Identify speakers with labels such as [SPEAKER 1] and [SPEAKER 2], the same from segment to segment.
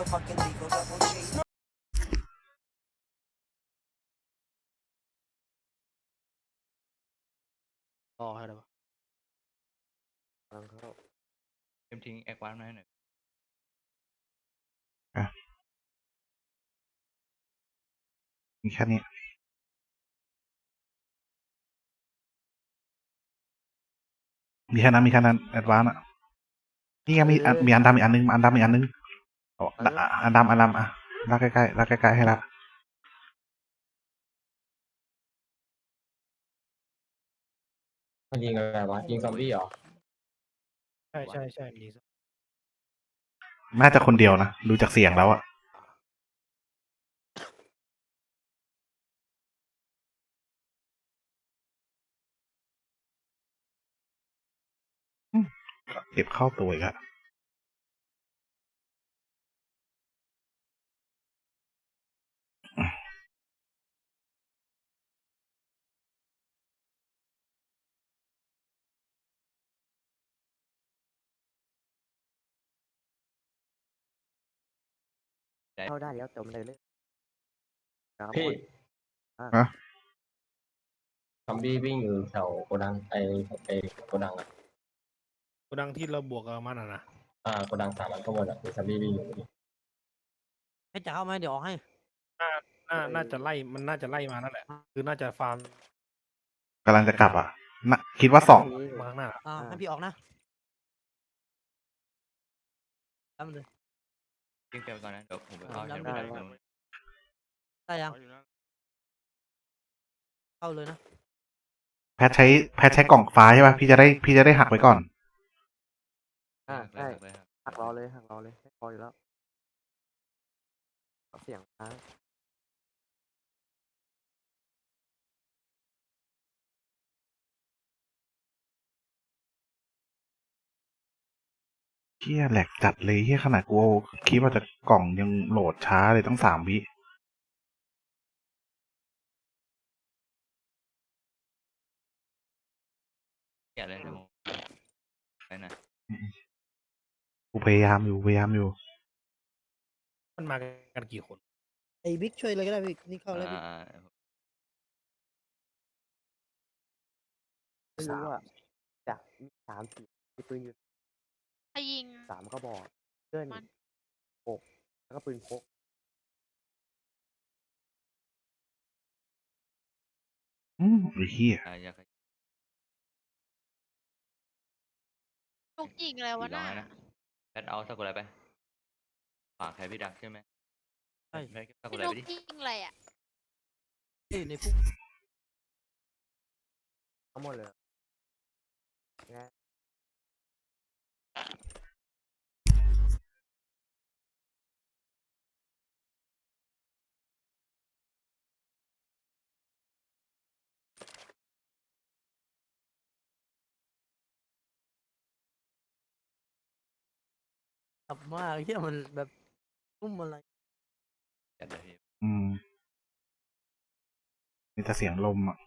[SPEAKER 1] รอให้ได้ปะ
[SPEAKER 2] กำลังเข้า
[SPEAKER 3] เต็มทิ้งแอควานมาให้หน่อย
[SPEAKER 4] มีแค่นี้มีแค่นั้นแอดวานซ์อ่ะนี่ยังมีอันดำอีกอันนึงอันดำอีกอันนึงอ๋ออันดำอ่ะลากใกล้ๆให้ละ
[SPEAKER 2] มันยิงอะไรวะยิงซอมบี้เหรอ
[SPEAKER 1] ใช่มี
[SPEAKER 4] น่าจะคนเดียวนะดูจากเสียงแล้วอ่ะเก็บเข้าตัวอีกอะ
[SPEAKER 2] เข้าได้แล้วแต่มันเลยครับ
[SPEAKER 5] พี่
[SPEAKER 4] ฮะ
[SPEAKER 5] ซอมบี้วิ่งอยู่แถวโกดังไอโกดังอ่ะ
[SPEAKER 1] โกดังที่เราบวกกับมันนะ
[SPEAKER 5] โกดัง3 อันข้างบนอ่ะมีซอมบี้วิ่งอยู่
[SPEAKER 6] ให้จะเข้าไหมเดี๋ยวออกให้
[SPEAKER 1] น่าจะไล่มันน่าจะไล่มานั่นแหละคือน่าจะฟาร์ม
[SPEAKER 4] กำลังจะกลับอ่ะนะคิดว่าสอง
[SPEAKER 1] มาข้างหน้า
[SPEAKER 6] ให้พี่ออกนะทำเลย
[SPEAKER 3] ทิ้งเต็มก่อนนะเดี๋ยวผมไปเข้า
[SPEAKER 6] ได้
[SPEAKER 3] แถว
[SPEAKER 6] ได้
[SPEAKER 3] พี่ดัก
[SPEAKER 6] ได้ยังเข้าเลยนะ
[SPEAKER 4] แพทใช้กล่องฟ้าใช่ป่ะพี่จะได้หักไว้ก่อน
[SPEAKER 2] ใช่หักรอเลยไม่พออยู่แล้วเสียงค้าง
[SPEAKER 4] เฮียแหลกจัดเลยเฮียขนาดกูคิดว่าจะกล่องยังโหลดช้าเลยตั้ง3 วิ
[SPEAKER 3] แกะเลยเดี๋ยวผมไปหน่อย
[SPEAKER 4] กูพยายามอยู่
[SPEAKER 1] มันมากันกี่คน
[SPEAKER 6] ไอ้บิ๊กช่วยเลยก็ได้บิ๊กนี่เข้าแล้วบิ๊ก
[SPEAKER 2] ไม่รู้ว่าจะมี3 4มีปืนอยู่
[SPEAKER 7] ใครยิง
[SPEAKER 2] 3 ก็บอกเพื่อน
[SPEAKER 7] มัน
[SPEAKER 2] 6แล้วก็ปืนพก
[SPEAKER 4] ไอ้เฮีย
[SPEAKER 3] อยาก
[SPEAKER 7] ลูกยิงอะไรวะ
[SPEAKER 3] 400
[SPEAKER 7] น่ะ
[SPEAKER 3] นะแพทเอาสักคนอะไรไปฝากใครพี่ดักใช่ไหม
[SPEAKER 6] ใช่
[SPEAKER 3] แพทสักคน
[SPEAKER 7] พี่
[SPEAKER 3] อะไร
[SPEAKER 7] ลู
[SPEAKER 3] ไป
[SPEAKER 7] ก
[SPEAKER 3] ดิ
[SPEAKER 7] ยิงอะไรอ่ะ
[SPEAKER 6] ในพุ่ม
[SPEAKER 2] ทั้งหมดเลยไง
[SPEAKER 6] กลับมาเฮียมันแบบพุ่มอะไร
[SPEAKER 3] จัดเลยพี่
[SPEAKER 4] มีแต่เสียงลมอ่ะ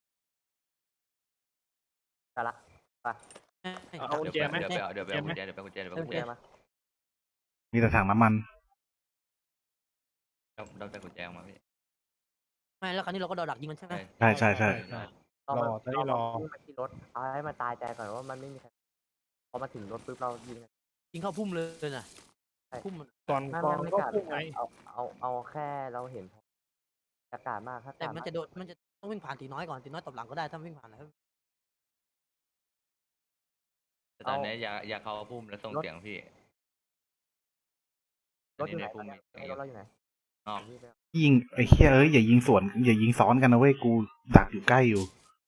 [SPEAKER 2] แต่ละไป
[SPEAKER 1] เอากุญแจไหม
[SPEAKER 3] เดี๋ยวไปเอากุญแจเดี๋ยวไปเอากุญแจ
[SPEAKER 2] กุญแจมา
[SPEAKER 4] มีแต่ถังน้ำมัน
[SPEAKER 3] เราจะกุญแจออกมาพี่
[SPEAKER 6] ไม่แล้วคราวนี้เราก็ดอดักยิงมันใช่ไหม
[SPEAKER 4] ใช่
[SPEAKER 1] รอตอนนี้รอ
[SPEAKER 2] วิ่งมาที่รถเอาให้มันตายใจก่อนว่ามันไม่มีใครพอมาถึงรถปุ๊บเรายิง
[SPEAKER 6] ยิงเข้าพุ่มเลยนะพุ่มมัน
[SPEAKER 1] ก่อน
[SPEAKER 2] ไม่
[SPEAKER 1] ก่อน
[SPEAKER 2] ไม่
[SPEAKER 1] ก็
[SPEAKER 2] กล้า
[SPEAKER 1] พุ่งไง
[SPEAKER 2] เอาแค่เราเห็นอากาศมากถ้า
[SPEAKER 6] แต่มันจะโดนมันจะต้องวิ่งผ่านตีน้อยก่อนตีน้อยตบหลังก็ได้ถ้าวิ่งผ่านแล้ว
[SPEAKER 3] แต่ตอนนี้อย่าเข้าพุ่มแล้วส่งเสียงพี่
[SPEAKER 2] รถอยู่ไหน
[SPEAKER 3] พุ่ม
[SPEAKER 2] รถเราอยู่ไหน
[SPEAKER 3] นอก
[SPEAKER 4] ยิงไอ้เฮียอย่ายิงสวนอย่ายิงซ้อนกันนะเว้ยกูดักอยู่ใกล้อยู่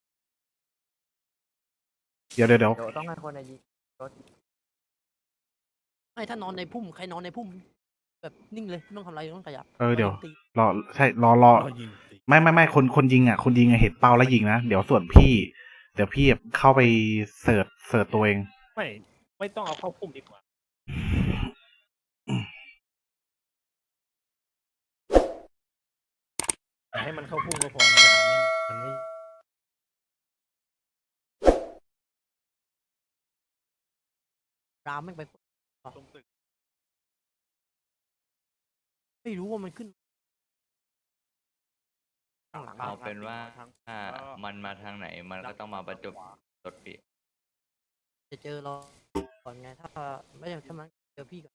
[SPEAKER 4] เดี๋ยว
[SPEAKER 2] เดี๋ยวต้องให้คนในยิงรถ
[SPEAKER 6] ไม่ถ้านอนในพุ่มใครนอนในพุ่มแบบนิ่งเลยไม่ต้องทำอะไรไม่ต้องขยับ
[SPEAKER 4] เดี๋ยว
[SPEAKER 6] ตี
[SPEAKER 4] รอใช่รอ
[SPEAKER 1] รอยิงสิ
[SPEAKER 4] ไม่คนยิงอ่ะเห็นเป้าแล้วยิงนะเดี๋ยวส่วนพี่เดี๋ยวพี่เข้าไปเสิร์ชตัวเอง
[SPEAKER 1] ไม่ต้องเอาเข้าพุ่มดีกว่าแต่ให้มันเข้าพุ่มก็พอมันไม่
[SPEAKER 6] รามไม่งไป
[SPEAKER 1] ตรงตึก
[SPEAKER 6] ไม่รู้ว่ามันขึ้นข้างหลัง
[SPEAKER 3] เอาเป็นว่าถ้ามันมาทางไหนมันก็ต้องมาประจบรถพี่
[SPEAKER 6] จะเจอเราก่อนไงถ้าไม่อย่างถ้ามันเจอพี่ก่อน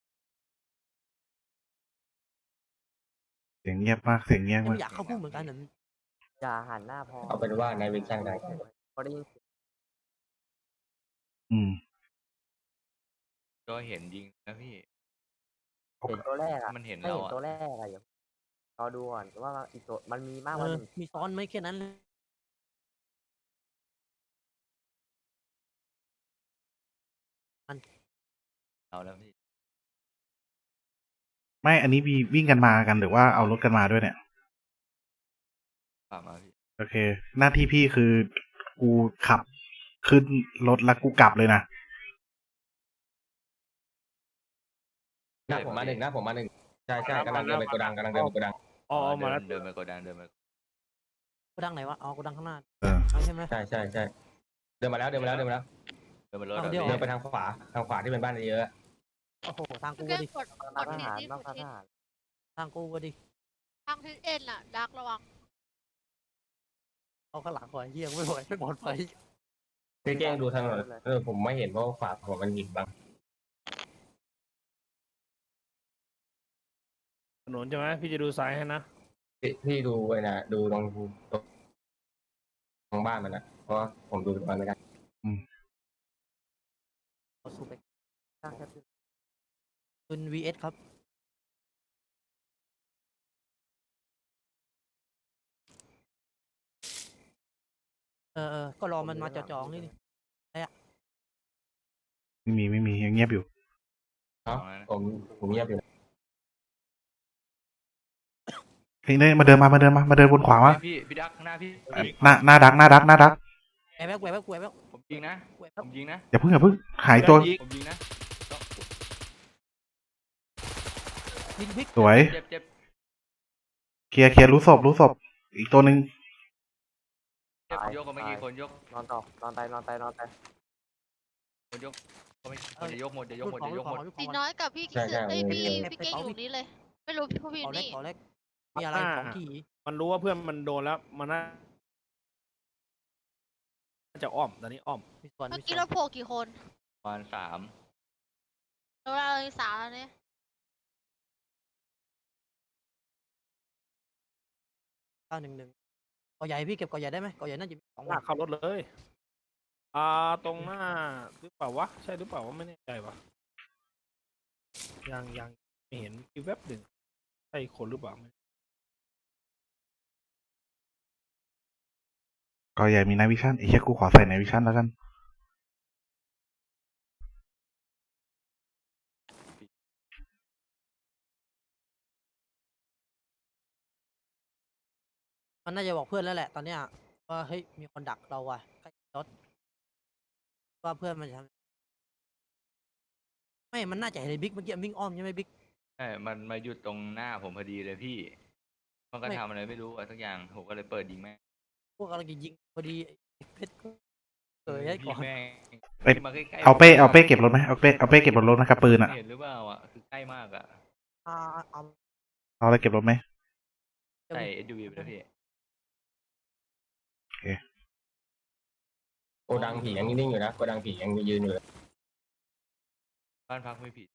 [SPEAKER 4] เสียงเงียบมากเสียงเงียบ
[SPEAKER 6] ไม่
[SPEAKER 4] มาก
[SPEAKER 6] อยากเข้าพุ่มเหมือนกันเหรอ
[SPEAKER 2] อย่าหันหน้าพอ
[SPEAKER 5] เอาเป็นว่าในวิชั่นได้
[SPEAKER 2] พอได้ยินเสียง
[SPEAKER 4] อืม
[SPEAKER 3] ก็เห็นยิงนะพี่
[SPEAKER 2] เห็นตัวแรกอะ
[SPEAKER 3] มันเห็น
[SPEAKER 2] ถ้า
[SPEAKER 3] เรา
[SPEAKER 2] เห็น
[SPEAKER 3] อะ
[SPEAKER 2] ตัวแรกอะอย่ารอดูก่อนว่าอีกตัวมันมีมากก
[SPEAKER 6] เอ
[SPEAKER 2] ว่า
[SPEAKER 6] อ
[SPEAKER 2] หนึ่ง
[SPEAKER 6] มีซ้อนไหมแค่นั้นเลย
[SPEAKER 3] เราแล้วพี่
[SPEAKER 4] ไม่อันนี้มีวิ่งกันมากันหรือว่าเอารถกันมาด้วยเนี่ย
[SPEAKER 3] ฝากมาพี่
[SPEAKER 4] โอเค หน้าที่พี่คือกูขับขึ้นรถแล้วกูกลับเลยนะ
[SPEAKER 5] หน้าผมมาหนึ่งหน้าผมมาหนึ่งใช่ใช่กำลังเดินไปโกดังกำลังเดินไปโกดัง
[SPEAKER 1] อ๋อมาแล้ว
[SPEAKER 3] เดินไปโกดังเดินไป
[SPEAKER 6] โกดังไหนวะอ๋อโกดังข้างหน้า
[SPEAKER 4] เออ
[SPEAKER 6] เอาใช่ไหม
[SPEAKER 5] ใช่ใช่ใช่เดินมาแล้วเดินมาแล้วเดินมาแล้ว
[SPEAKER 3] เดินไปรถ
[SPEAKER 6] เอา
[SPEAKER 3] อะ
[SPEAKER 6] เดี๋ยว
[SPEAKER 3] พี่
[SPEAKER 5] เดินไปทางขวาที่เป็นบ้านเยอะ
[SPEAKER 6] โอ้โหทางกู
[SPEAKER 7] แค่
[SPEAKER 6] ก็ดิ
[SPEAKER 7] กด
[SPEAKER 2] นอก
[SPEAKER 7] กด
[SPEAKER 2] ท
[SPEAKER 7] ทิศ
[SPEAKER 2] หาร
[SPEAKER 7] นี่
[SPEAKER 2] นอก
[SPEAKER 7] กด
[SPEAKER 2] ท
[SPEAKER 7] ทิศ
[SPEAKER 2] หาร
[SPEAKER 6] ทางกูก็ดิ
[SPEAKER 7] ทางทิศเอ็นน่ะดักระวัง
[SPEAKER 6] เอาข้างหลังก่อนเฮียไม่ไหวไม่ปลอดภัย
[SPEAKER 5] พี่แจ้งดูถนนผมไม่เห็นเพราะว่าขวาผมมันหินบ้าง
[SPEAKER 1] ถนนใช่ไหมพี่จะดูซ้ายให้นะ
[SPEAKER 5] พี่ดูไว้นะดูตรงบ้านมันนะเพราะว่าผมดูตรงนั้นไม่ได้
[SPEAKER 6] เอาสู้ไป
[SPEAKER 2] สร้างแค่
[SPEAKER 6] ปืน VS ครับก็รอมันมาจ่อๆนี่นี่
[SPEAKER 4] ไม่มียังเงียบอยู่
[SPEAKER 5] เนาะผมเงียบอยู่
[SPEAKER 4] เฮ้ยเนี่ยมาเดินบนขวามา
[SPEAKER 3] พี่ดักข้างหน้าพี่
[SPEAKER 4] หน้าดัก
[SPEAKER 6] แหวกแหวกแหวกแหวก
[SPEAKER 3] ผมยิงนะ
[SPEAKER 6] แหวก
[SPEAKER 3] ผมยิงนะ
[SPEAKER 4] อย่าเพิ่งหายตัว
[SPEAKER 3] ผมยิงนะ
[SPEAKER 6] ยิงพลิก
[SPEAKER 4] สวย
[SPEAKER 3] เจ็บเจ็บ
[SPEAKER 4] เคลียร์รู้ศพอีกตัวหนึ่ง
[SPEAKER 3] เจ็บยกก็ไม่กี่คนยก
[SPEAKER 2] นอนต่อนอนไป
[SPEAKER 3] คนยกก็ไม่คนจะยกหมดจะยกหมดจะยกหมด
[SPEAKER 7] ตีน้อยกับพี่คิดเอ้ยพี่เก้งอยู่นี่เลย ไม่รู้พี่พี่
[SPEAKER 6] ขอเล็ก
[SPEAKER 7] นี่
[SPEAKER 6] ขอเล็กมีอะไรของขี่
[SPEAKER 1] มันรู้ว่าเพื่อนมันโดนแล้วมันน่าจะอ้อมตอนนี้อ้อม
[SPEAKER 6] มีส่วน
[SPEAKER 7] เมื่อ
[SPEAKER 6] มี
[SPEAKER 7] กี้
[SPEAKER 6] ส่ว
[SPEAKER 7] เรา
[SPEAKER 6] น
[SPEAKER 7] โผล่กี่คน
[SPEAKER 3] ประมาณ3
[SPEAKER 7] เราเลยสามแล้วเนี่ย
[SPEAKER 6] 911ก่อใหญ่พี่เก็บก่อใหญ่ได้ไหมก่อใหญ่น่าจะมี2
[SPEAKER 1] หน้าเข้ารถเลย ตรงหน้าหรือเปล่าวะ ใช่หรือเปล่าวะไม่แน่ใจวะยังไม่เห็นอีกแวบหนึ่งใช่คนหรือเปล่า
[SPEAKER 4] ก็ใหญ่มีนายวิชั่นไอ้เหี้ยกูขอใส่นายวิชั่นแล้วกัน
[SPEAKER 6] มันน่าจะบอกเพื่อนแล้วแหละตอนเนี้ยว่าเฮ้ยมีคนดักเราอ่ะใกล้รถว่าเพื่อนมันจะทำไม่มันน่าจะเห็นไอ้บิ๊กเมื่อกี้วิ่งอ้อมใช่ไหมบิ๊ก
[SPEAKER 3] ใช่มันมาหยุดตรงหน้าผมพอดีเลยพี่มันก็ทำอะไรไม่รู้อะไรสักอย่างผมก็เลยเปิดยิงแม่ง
[SPEAKER 6] พวกกำลังจะยิงพอดีไอ้เพชรก็เกิดให้ก่อน
[SPEAKER 3] แม่ง
[SPEAKER 4] เอ้ย
[SPEAKER 3] มาใกล้ๆ
[SPEAKER 4] เอาเป้เก็บรถไหมเอาเป้เก็บรถนะครับปืนอ่ะ
[SPEAKER 3] เห็นหรือเปล่าอ่ะคือใกล้มากอ่ะ
[SPEAKER 6] เอา
[SPEAKER 4] เอาอะไรเก็บรถไหม
[SPEAKER 3] ใส่ SUV ไปแล้วพี่
[SPEAKER 5] โกดังผียังนิ่งๆอยู่นะโกดังผียังยืนอยู่เลย
[SPEAKER 3] บ้านพักไม่ผิด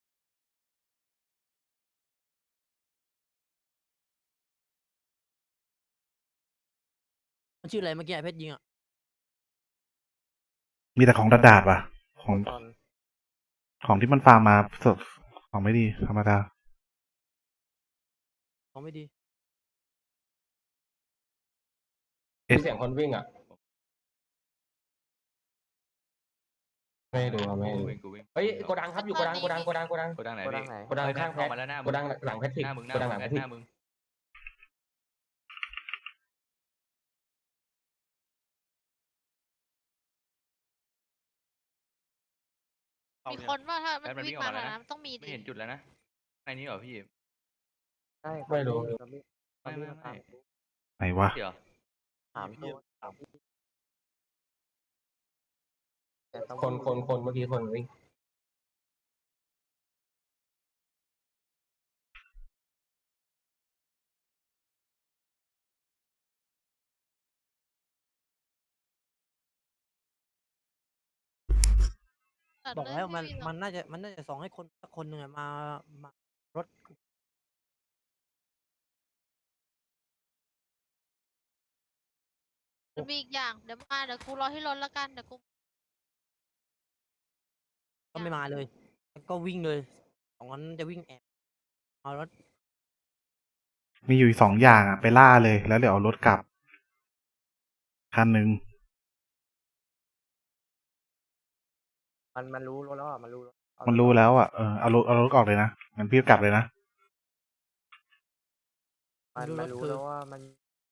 [SPEAKER 6] มันชื่ออะไรเมื่อกี้ไอ้เพชรยิงอ่ะ
[SPEAKER 4] มีแต่ของดาดว่ะ ของ
[SPEAKER 2] ตอน
[SPEAKER 4] ของที่มันฟาร์มมาสดของไม่ดีธรรมดา
[SPEAKER 6] ของไม่ดี
[SPEAKER 5] มีเสียงคนวิ่งอ่ะไม่ให้ดูครับไม่ให้ดู
[SPEAKER 3] กูวิ่ง
[SPEAKER 5] เฮ้ยโกดังครับอยู่โกดัง
[SPEAKER 3] โกดังไหน
[SPEAKER 2] โกดั
[SPEAKER 3] พี่
[SPEAKER 2] งไหน
[SPEAKER 5] โกดัง
[SPEAKER 3] เฮ้ย
[SPEAKER 5] ข้าง
[SPEAKER 3] เข้ามาแล้วหน้า
[SPEAKER 5] โก
[SPEAKER 3] มึง
[SPEAKER 5] ดังหลังแพทริก
[SPEAKER 3] หน้ามึงห
[SPEAKER 5] โกดังหลังแพทริก
[SPEAKER 3] หน้ามึง
[SPEAKER 7] มีคนว่าถ้ามัน
[SPEAKER 3] แป๊บมัน
[SPEAKER 7] วิ่
[SPEAKER 3] วิ่
[SPEAKER 7] ง
[SPEAKER 3] งออก
[SPEAKER 7] มา
[SPEAKER 3] มาแล้ว
[SPEAKER 7] แล้ว
[SPEAKER 3] นะ
[SPEAKER 7] นะมันต้องมี
[SPEAKER 3] ไม่
[SPEAKER 7] ดิ
[SPEAKER 3] เห็นจุดแล้วนะในนี้เหรอพี่
[SPEAKER 2] ใช่
[SPEAKER 5] ไม่รู้
[SPEAKER 3] ไม่
[SPEAKER 4] ไหนวะ
[SPEAKER 3] เดี๋ยว
[SPEAKER 2] ถามตัวแต่ต้อง
[SPEAKER 5] คนเมื่อกี้คนวิ่ง
[SPEAKER 7] ตัด
[SPEAKER 6] บอก
[SPEAKER 7] เลย
[SPEAKER 6] แล้ว
[SPEAKER 7] ไม่มีหรอก
[SPEAKER 6] มันน่าจะส่งให้คนสักคนหนึ่งอะมารถ
[SPEAKER 7] มันมีอีกอย่างเดี๋ยวมาเดี๋ยวกูรอที่รถแล้วกันเดี๋ยวกู
[SPEAKER 6] ก็ไม่มาเลยแล้วก็วิ่งเลยสองคนนั้นจะวิ่งแอบเอารถ
[SPEAKER 4] มีอยู่สองอย่างอ่ะ ไปล่าเลย แล้วเดี๋ยวเอารถกลับ คันหนึ่ง
[SPEAKER 2] มันรู้รถแล้วอ่ะมันรู้รถเอา
[SPEAKER 4] มันรู้แล้วอ่ะ เอารถออกเลยนะงั้นพี่กลับเลยนะ
[SPEAKER 2] มันรู้แล้วว่ามัน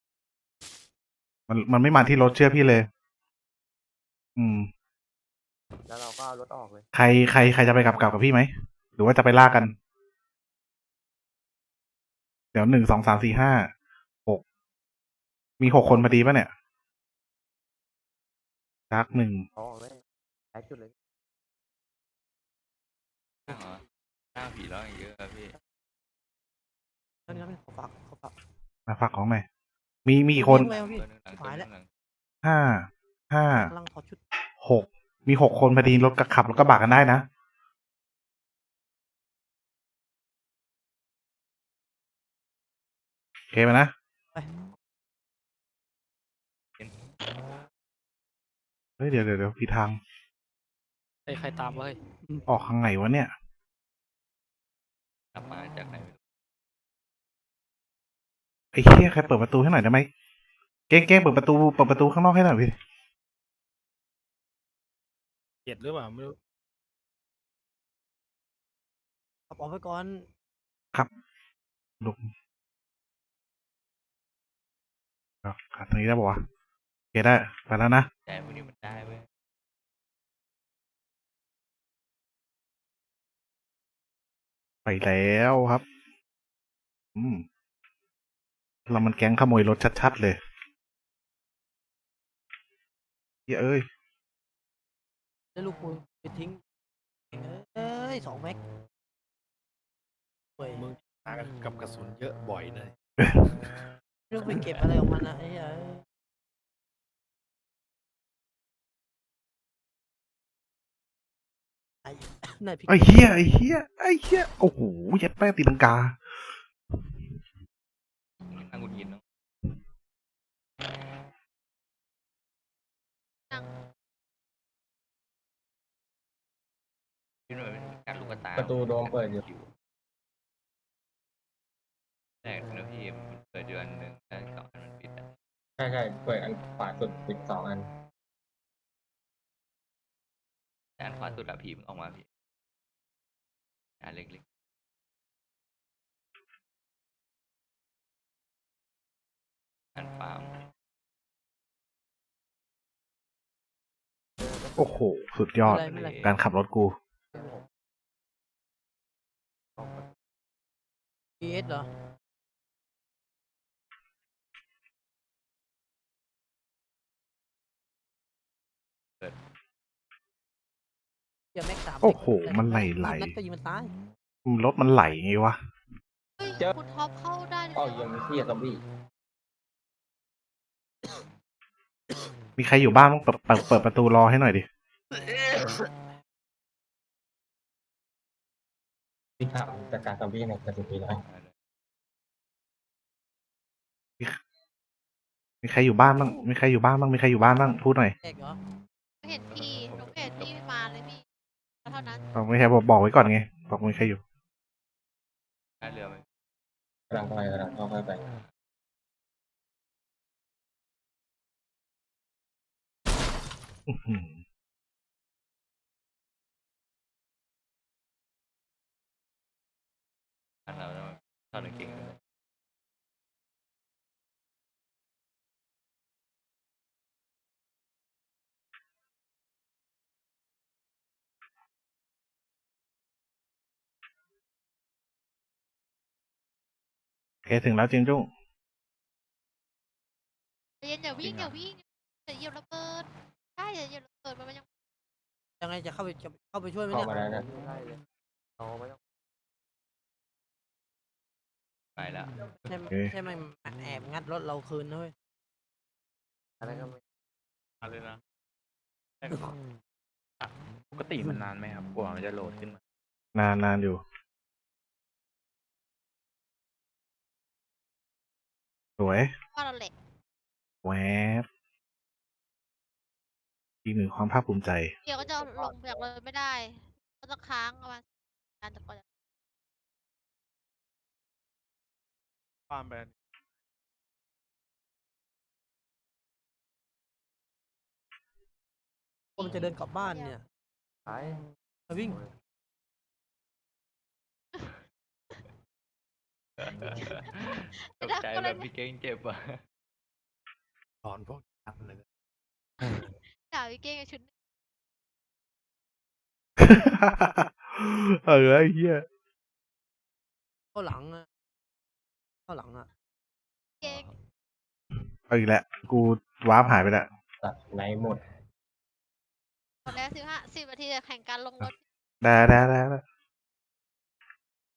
[SPEAKER 4] มันไม่มาที่รถเชื่อพี่เลย อืม
[SPEAKER 2] แล้วเราก็เอารถออกเลย
[SPEAKER 4] ใครจะไปกลับกับพี่ไหม หรือว่าจะไปล่ากัน เดี๋ยว1 2 3 4 5 6 มี6 คนพอดีป่ะเนี่ยจักหนึ่ง
[SPEAKER 2] เอาออกเลยหลายจุดเลย
[SPEAKER 3] หน้าเหรอหน้าผีร้องเยอะอะพี่
[SPEAKER 6] นั่นขอฝาก
[SPEAKER 4] มาฝากของหน่อยมีกี่คน
[SPEAKER 6] เร็วพี่
[SPEAKER 3] ตัวหนึ่งหลัง
[SPEAKER 6] ชิบหายแล้ว
[SPEAKER 3] ตัวหนึ่งหลัง
[SPEAKER 4] 5
[SPEAKER 6] กำลังขอชุด
[SPEAKER 4] 6 มี6 คนพอดีรถกระขับรถกระบะกันได้นะ โอเคไหมนะ
[SPEAKER 6] ไป
[SPEAKER 4] เฮ้ยเดี๋ยวผิดทาง
[SPEAKER 1] ใครตามวะเฮ้ย
[SPEAKER 4] ออกทางไหนวะเนี่ย
[SPEAKER 3] กลับมาจากไหนไม่รู้
[SPEAKER 4] ไอ้เหี้ยใครเปิดประตูให้หน่อยได้ไหมเก้งเปิดประตูข้างนอกให้หน่อยพี่
[SPEAKER 1] เกลียดหรือเปล่าไม่รู้
[SPEAKER 6] ขับออกไปก่อน
[SPEAKER 4] ลุกขัดตรงนี้ได้ปะวะโอเคได้ไปแล้วนะ
[SPEAKER 3] แต่พวกนี้มันได้เว้ย
[SPEAKER 4] ไปแล้วครับ เรามันแก๊งขโมยรถชัดๆเลยเอ้ย
[SPEAKER 6] แล้วลูกกูไปทิ้งเอ้ย2 แม็กเว้ย
[SPEAKER 1] มึงตากันกับกระสุนเยอะบ่อยเลย
[SPEAKER 6] ลูกไปเก็บอะไรของมันนะไอ้เหี้ยไอ้นายพี่
[SPEAKER 4] ไอ้เหี้ยโอ้โหยัดแป้ตีลังกา
[SPEAKER 3] นั่งกุญยินเนาะ
[SPEAKER 7] นั่ง
[SPEAKER 3] พี่หน่วยเป็นการลูกตา
[SPEAKER 5] ประตูโดมเปิดอยู่
[SPEAKER 3] แรกนะพี่มันเปิดอยู่อันหนึ่งแล้วอีก2 อันมันปิดอะ
[SPEAKER 5] ใช่เปิดอันขวาสุดปิด2 อัน
[SPEAKER 3] แต่อันขวาสุดอะผีมันออกมาพี่อันเล็กๆอันฟาร์ม
[SPEAKER 4] โอ้โห สุดยอด
[SPEAKER 6] ไม่เป็นไร
[SPEAKER 4] การขับรถกู
[SPEAKER 6] PS เหรอเดี๋ยวแม็ก3
[SPEAKER 4] โอ้โหมันไหล
[SPEAKER 6] นัดก็ยิงมันตาย
[SPEAKER 4] รถมันไหลไงวะ
[SPEAKER 7] เฮ้ย
[SPEAKER 5] เจอ
[SPEAKER 7] คุณท็อปเข้าได้เลย
[SPEAKER 5] อ้าวยังมีเที่ยซอมบี้
[SPEAKER 4] มีใครอยู่บ้านบ้างเปิดประตูรอให้หน่อยดิ
[SPEAKER 5] ที่ขับจากการซอมบี้ในกระสุนปีน้อย
[SPEAKER 4] มีใครอยู่บ้านบ้างมีใครอยู่บ้านบ้างพูดหน่อย
[SPEAKER 6] แตกเหรอ
[SPEAKER 7] ไม่เห็นพี่หนูไม่เห็นพี่มาเลยพี่เท่านั้น
[SPEAKER 4] ไม่ใช่บอกไว้ก่อนไง บอกมีใครอยู่
[SPEAKER 3] ท่าเรือไหม
[SPEAKER 5] กำลังเข้าไป
[SPEAKER 4] อื้อหือ
[SPEAKER 3] อันเราต้องเข้าหนึ่งเก่งเลย
[SPEAKER 4] โอเคถึงแล้วจิงจุ้ง
[SPEAKER 7] ใจเย็นอย่าวิ่งอย่าวิ่งอย่าเหยียบระเบิดใช่อย่าเหยียบระเบิดมันยัง
[SPEAKER 6] ยังไงจะเข้าไปช่วยไหม
[SPEAKER 5] เข้า
[SPEAKER 6] เนี่ย
[SPEAKER 5] มาแล้วนะ
[SPEAKER 2] ได้เลยเราไม่ต้อง
[SPEAKER 3] ไปแล้ว
[SPEAKER 6] ใช่ไหมแอบงัดรถเราคืนนะเว้ย
[SPEAKER 2] อะไรก็ไม่
[SPEAKER 1] อะไรนะ
[SPEAKER 3] ปกติมันนานไหมครับกว่ามันจะโหลดขึ้นมา
[SPEAKER 4] นานอยู่ สวย
[SPEAKER 7] ว่าเราแหละ
[SPEAKER 4] แวบอีกหนึ่งความภาคภูมิใจ
[SPEAKER 7] เดี๋ยวก็จะลงจากเลยไม่ได้ ก็จะค้างประมาณการจะก่อน
[SPEAKER 1] ฟาร์มแบรนด์
[SPEAKER 6] ว่ามันจะเดินกลับบ้านเนี่ย
[SPEAKER 2] ไป
[SPEAKER 6] มาวิ่ง
[SPEAKER 3] ตกใจแบบพี่เก้งเจ็บอ่ะ
[SPEAKER 1] สอนพวกนักเลย
[SPEAKER 7] ด่าวิเก้งกับชุด
[SPEAKER 4] ไอ้เหี้ย
[SPEAKER 6] เข้าหลังอะเข้าหลังอะ
[SPEAKER 7] เก้ง
[SPEAKER 4] เอาอีกแล้วกูวาร์ปหายไปแล้ว
[SPEAKER 5] ตัดในหมด
[SPEAKER 7] หมดแล้ว15 10 นาทีจะแข่งการลงรถ
[SPEAKER 4] ได้